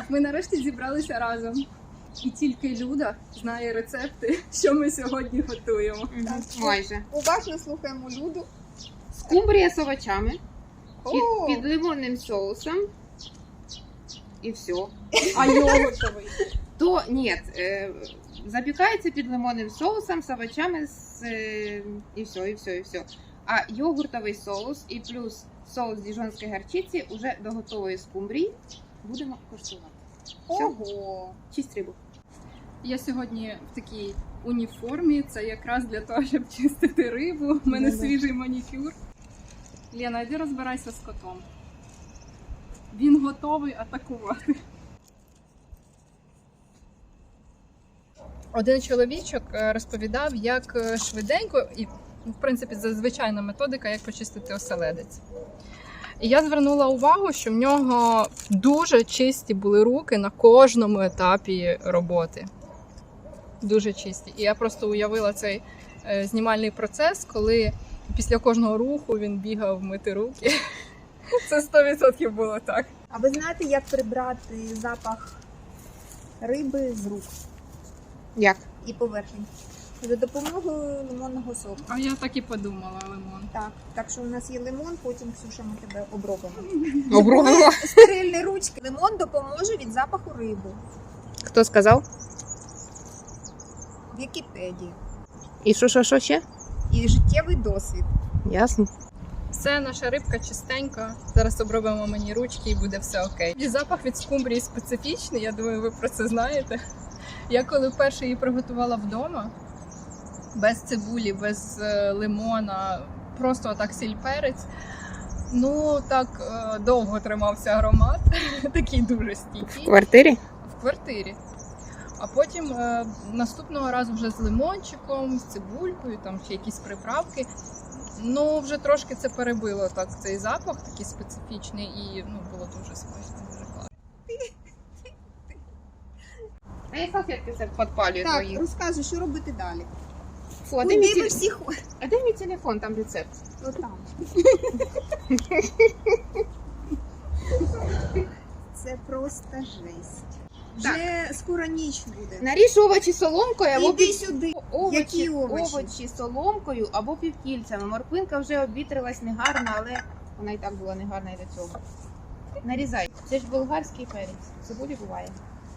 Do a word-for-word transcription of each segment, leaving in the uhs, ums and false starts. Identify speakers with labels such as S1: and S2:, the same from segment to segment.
S1: ми нарешті зібралися разом. І тільки Люда знає рецепти, що ми сьогодні готуємо.
S2: Так, майже.
S3: Уважно слухаємо Люду.
S2: Скумбрія з овочами,
S3: О!
S2: під, під лимонним соусом. І все.
S1: А йогуртовий?
S2: То, ні, е, запікається під лимонним соусом з овочами, з, е, і все, і все, і все. А йогуртовий соус і плюс соус діжонської гарчиці уже до готової скумбрії будемо коштувати. Все.
S3: Ого!
S2: Чисть рибу.
S1: Я сьогодні в такій уніформі, це якраз для того, щоб чистити рибу. У мене
S3: Да-да.
S1: свіжий манікюр. Лена, йди розбирайся з котом. Він готовий атакувати. Один чоловічок розповідав, як швиденько, і в принципі це звичайна методика, як почистити оселедець. І я звернула увагу, що в нього дуже чисті були руки на кожному етапі роботи. Дуже чисті. І я просто уявила цей е, знімальний процес, коли після кожного руху він бігав мити руки. Це сто відсотків було так.
S3: А ви знаєте, як прибрати запах риби з рук
S2: Як?
S3: і поверхень? За допомогою лимонного соку.
S1: А я так і подумала, лимон.
S3: Так, так що у нас є лимон, потім, Ксюша, ми тебе обробимо.
S2: Обробимо.
S3: Стерильні ручки. Лимон допоможе від запаху риби.
S2: Хто сказав?
S3: В Вікіпедії.
S2: І що, що, що ще?
S3: І життєвий досвід.
S2: Ясно.
S1: Все, наша рибка чистенька. Зараз обробимо мені ручки і буде все окей. І запах від скумбрії специфічний, я думаю, ви про це знаєте. Я коли вперше її приготувала вдома, без цибулі, без е, лимона, просто отак сіль-перець, ну так е, довго тримався аромат, такий дуже
S2: В
S1: стійкий,
S2: квартирі?
S1: в квартирі. А потім е, наступного разу вже з лимончиком, з цибулькою, там ще якісь приправки. Ну, вже трошки це перебило так цей запах, такий специфічний, і ну, було дуже смачно, дуже класно.
S2: А я салфетки все підпалюю
S3: Так,
S2: твої.
S3: розказуй, що робити далі.
S2: Фу, а де мій
S3: Куди ви
S2: теле-
S3: всі ходите?
S2: а де мій телефон, там рецепт?
S3: Отам. Це просто жесть. Вже скоро ніч буде.
S2: Наріж овочі соломкою або
S3: Іди
S2: пів...
S3: сюди.
S2: овочі,
S3: Які овочі?
S2: овочі соломкою або півкільцями. Морквинка вже обвітрилась негарно, але вона і так була негарна і до цього. Нарізай. Це ж болгарський перець. Цибулі буває.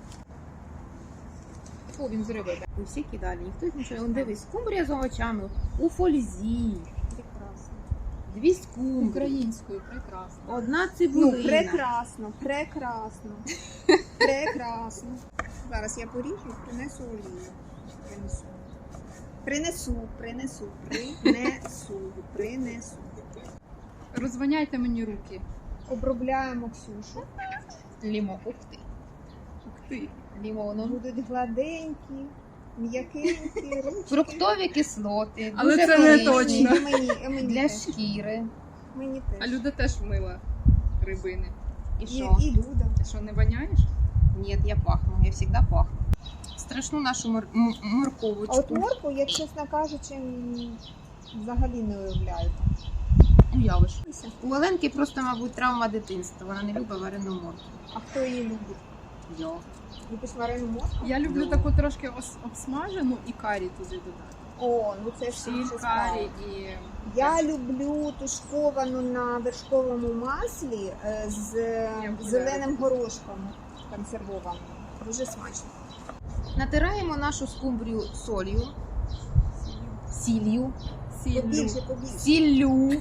S2: Фу, він з риби. Ви всі кидали, ніхто нічого. Он дивись, скумбрія з овочами у фользі.
S3: Прекрасно.
S2: Дві скумбрії.
S1: Українською, прекрасно.
S2: Одна
S3: Ну,
S2: цибулина.
S3: прекрасно, прекрасно. Прекрасно. Зараз я поріжу і принесу олію. Принесу. Принесу, принесу, принесу, принесу.
S1: Розвоняйте мені руки.
S3: Обробляємо Ксюшу.
S2: Лімо. Ух ти.
S1: Ух ти.
S2: Лімоном.
S3: Будуть гладенькі, м'якенькі ручки.
S2: Фруктові кислоти.
S1: Але
S2: дуже
S1: це не
S2: корисні
S1: точно.
S3: І мені, і мені
S2: Для
S3: теж.
S2: шкіри.
S3: Мені
S1: А
S3: теж.
S1: Люда теж мила рибини.
S2: І
S3: І,
S2: що?
S3: і Люда.
S1: Ти що, не воняєш?
S2: Ні, я пахну, я завжди пахну. Страшну нашу мор- м- морковочку.
S3: А от морку, я, чесно кажучи, м, взагалі не уявляю.
S2: Уявиш. У Оленки просто, мабуть, травма дитинства. Вона не любить варену морку.
S3: А хто її любить?
S2: Я.
S3: Любиш варену морку?
S1: Я люблю
S2: Ну.
S1: таку трошки ос- обсмажену і карі туди додати.
S3: О, ну це ж
S1: Сіль,
S3: інша справа.
S1: карі і...
S3: Я люблю тушковану на вершковому маслі е, з
S1: Я
S3: зеленим горошком консервованим. Дуже смачно.
S2: Натираємо нашу скумбрію солью. Сіллю.
S1: Сіллю.
S3: Побільше, побільше.
S2: Сіллю.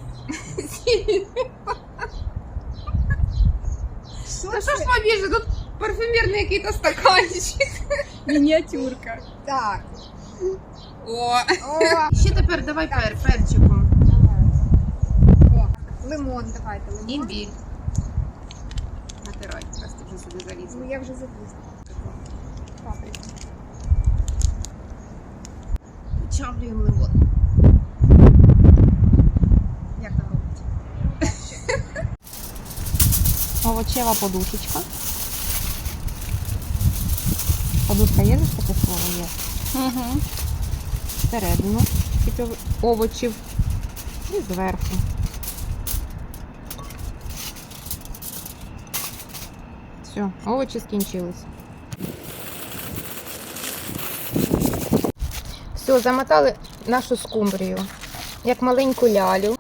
S3: Що
S2: Та
S3: це?
S2: що ж побільше? Тут парфюмерний якийсь стаканчик.
S1: Мініатюрка.
S3: Так.
S2: О.
S3: О,
S2: Ще тепер давай пер, перчиком.
S3: давай. О, лимон, давайте, лимон.
S2: Імбірь. Натирай, раз ти вже сюди
S3: Ну,
S2: залізла.
S3: я вже запустила. Паприка.
S2: Вичавлюємо лимон. Як там робиться? Овочева подушечка. Подушка є, за таке слово є?
S1: Угу.
S2: Всередину тільки овочів і зверху. Все. Все, овочі скінчились. Все, замотали нашу скумбрію, як маленьку лялю.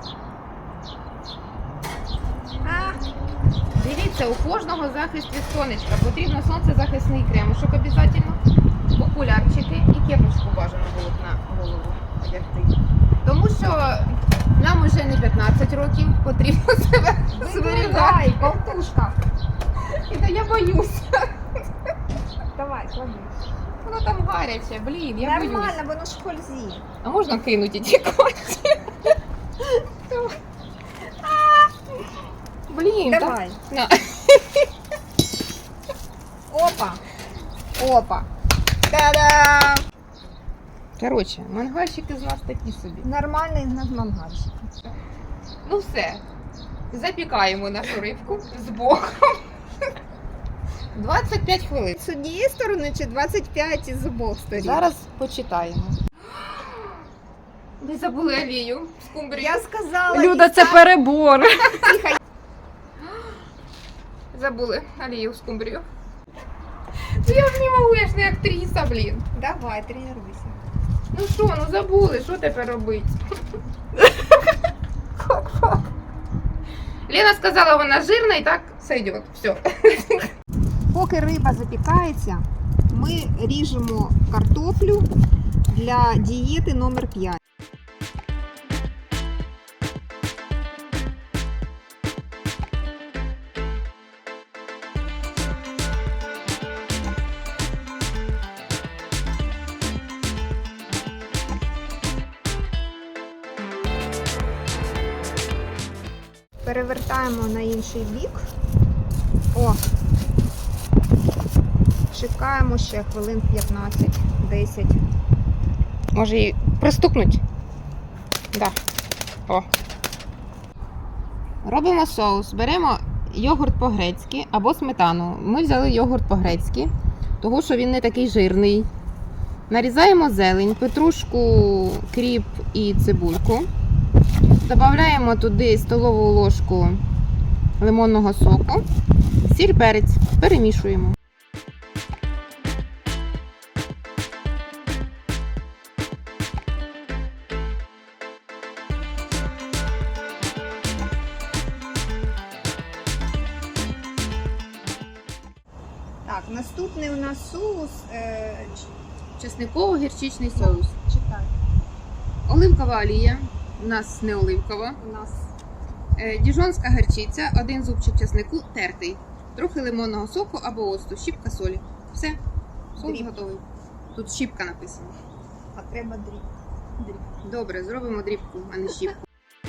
S2: Дивіться, у кожного захист від сонечка. Потрібно сонцезахисний кремушок обов'язково, окулярчики і кепочку бажано було б на голову одягти. Тому що нам уже не п'ятнадцять років, потрібно себе зберігати.
S3: болтушка.
S2: І то я боюся.
S3: Давай, клади.
S2: Воно там гаряче, блін, я боюсь.
S3: Нормально, воно ж хользі.
S2: А можна кинути ті коті? Блін, так.
S3: Давай.
S2: На.
S3: Опа. Опа. Та-дам!
S2: Коротше, мангальщики з нас такі собі.
S3: Нормальний в нас мангальщик.
S2: Ну все, запікаємо нашу рибку з боком. двадцять п'ять хвилин.
S3: З однієї сторони чи двадцять п'ять із обох сторін?
S2: Зараз почитаємо. Ми забули олію з кумбрію.
S3: Я сказала...
S1: Люда, це перебор.
S2: Забули олію з кумбрію. Ну я ж не можу, я ж не актриса, блін.
S3: Давай, тренуйся.
S2: Ну що, ну забули, що тепер робити? Лена сказала, вона жирна і так сойдет. Все.
S3: Поки риба запікається, ми ріжемо картоплю для дієти номер п'ять. Перевертаємо на інший бік. О! Чекаємо ще хвилин п'ятнадцять-десять.
S2: Може її пристукнуть? Да. О. Робимо соус. Беремо йогурт по-грецьки або сметану. Ми взяли йогурт по-грецьки, тому що він не такий жирний. Нарізаємо зелень, петрушку, кріп і цибульку. Додаємо туди столову ложку лимонного соку, сіль, перець. Перемішуємо.
S3: Так, наступний у нас соус. Е,
S2: Чесниково-гірчичний соус.
S3: читай.
S2: Оливкова олія. У нас не оливкова.
S3: У нас
S2: Е, Діжонська гірчиця, один зубчик чеснику тертий, трохи лимонного соку або оцту, щіпка солі. Все, соус
S3: Дріб.
S2: готовий. Тут щіпка написана.
S3: а треба дріб. дріб.
S2: Добре, зробимо дрібку, а не щіпку.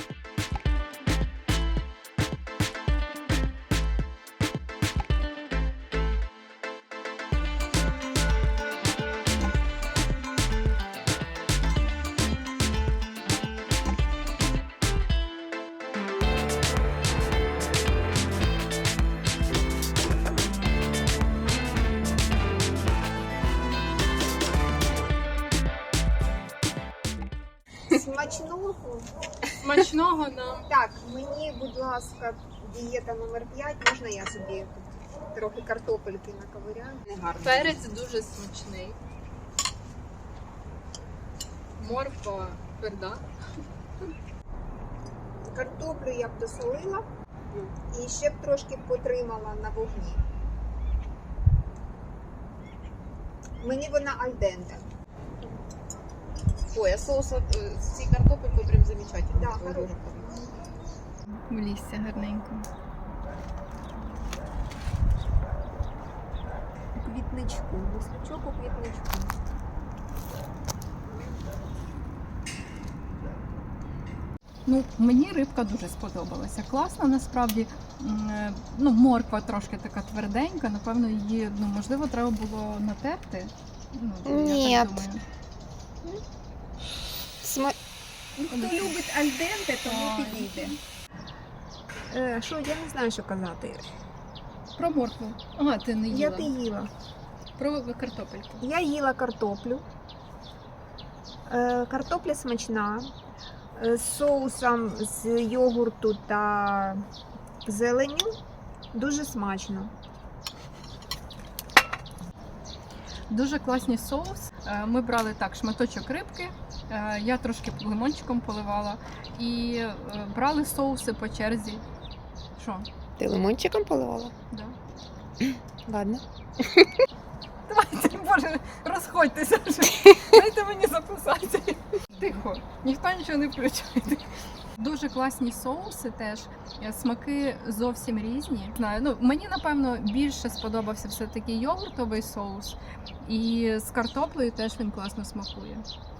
S3: Смачного.
S1: Смачного нам.
S3: Так, мені, будь ласка, дієта номер п'ять. Можна я собі трохи картопельки наковиряю?
S2: Негарно.
S1: Перець дуже смачний. Морква тверда.
S3: Картоплю я б досолила і ще б трошки потримала на вогні. Мені вона альденте.
S2: Ой, а соус з цією картопелькою прям замечательно.
S3: Да, хороший.
S1: В лісі гарненько.
S3: Квітничку, листочок у квітничку.
S1: Ну, мені рибка дуже сподобалася. Класна насправді. М, е, Ну, морква трошки така тверденька. Напевно, її ну, можливо треба було натерти. Ну,
S2: Ні.
S1: я так думаю.
S2: Сма...
S3: Ну, хто любить альденте, тому
S1: Ой.
S3: підійде. Е, що, я не знаю, що казати.
S1: Про моркву. Ага, ти не їла.
S3: Я ти їла.
S1: Про картопельку.
S3: Я їла картоплю. Е, картопля смачна. Е, з соусом з йогурту та зеленню. Дуже смачно.
S1: Дуже класні соус. Е, Ми брали так шматочок рибки, е, я трошки лимончиком поливала і е, брали соуси по черзі. Що?
S2: Ти лимончиком поливала?
S1: Да.
S2: Ладно.
S1: Давайте, боже, розходьтеся вже. Дайте мені записати. Тихо, ніхто нічого не включає. Дуже класні соуси теж. Е, Смаки зовсім різні. Знаю, ну мені напевно більше сподобався все-таки йогуртовий соус. І з картоплею теж він класно смакує.